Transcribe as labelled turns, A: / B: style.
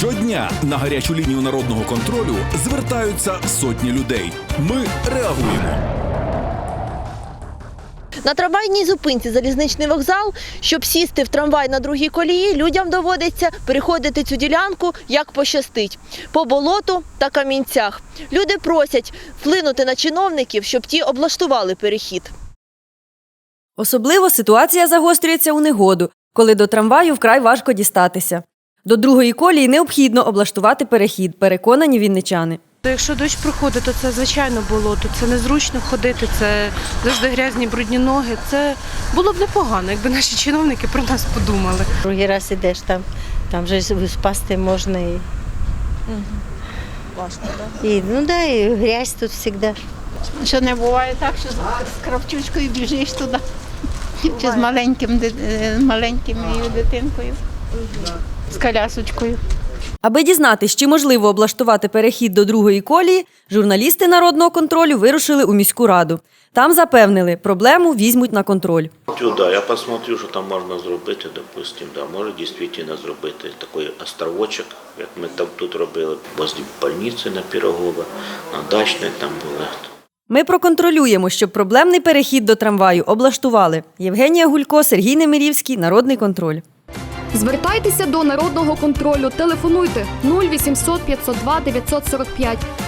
A: Щодня на гарячу лінію народного контролю звертаються сотні людей. Ми реагуємо.
B: На трамвайній зупинці залізничний вокзал. Щоб сісти в трамвай на другій колії, людям доводиться переходити цю ділянку як пощастить – по болоту та камінцях. Люди просять вплинути на чиновників, щоб ті облаштували перехід.
C: Особливо ситуація загострюється у негоду, коли до трамваю вкрай важко дістатися. До другої колії необхідно облаштувати перехід, переконані вінничани.
D: Якщо дощ проходить, то це звичайно болото, це незручно ходити, це завжди грязні брудні ноги. Це було б непогано, якби наші чиновники про нас подумали.
E: Другий раз ідеш, там вже спасти можна.
B: Важко, так?
E: І грязь тут завжди.
F: Що не буває так, що з кравчучкою біжиш туди, чи з маленькою дитинкою, з колясочкою.
C: Аби дізнатись, чи можливо облаштувати перехід до другої колії, журналісти народного контролю вирушили у міську раду. Там запевнили, проблему візьмуть на контроль.
G: Да, я посмотрю, що там можна зробити, допустим, да, може дійсно зробити такий островочок, як ми там тут робили, возле больниці на Пирогово, на Дачне там були.
C: Ми проконтролюємо, щоб проблемний перехід до трамваю облаштували. Євгенія Гулько, Сергій Немирівський, Народний контроль.
H: Звертайтеся до Народного контролю. Телефонуйте 0800 502 945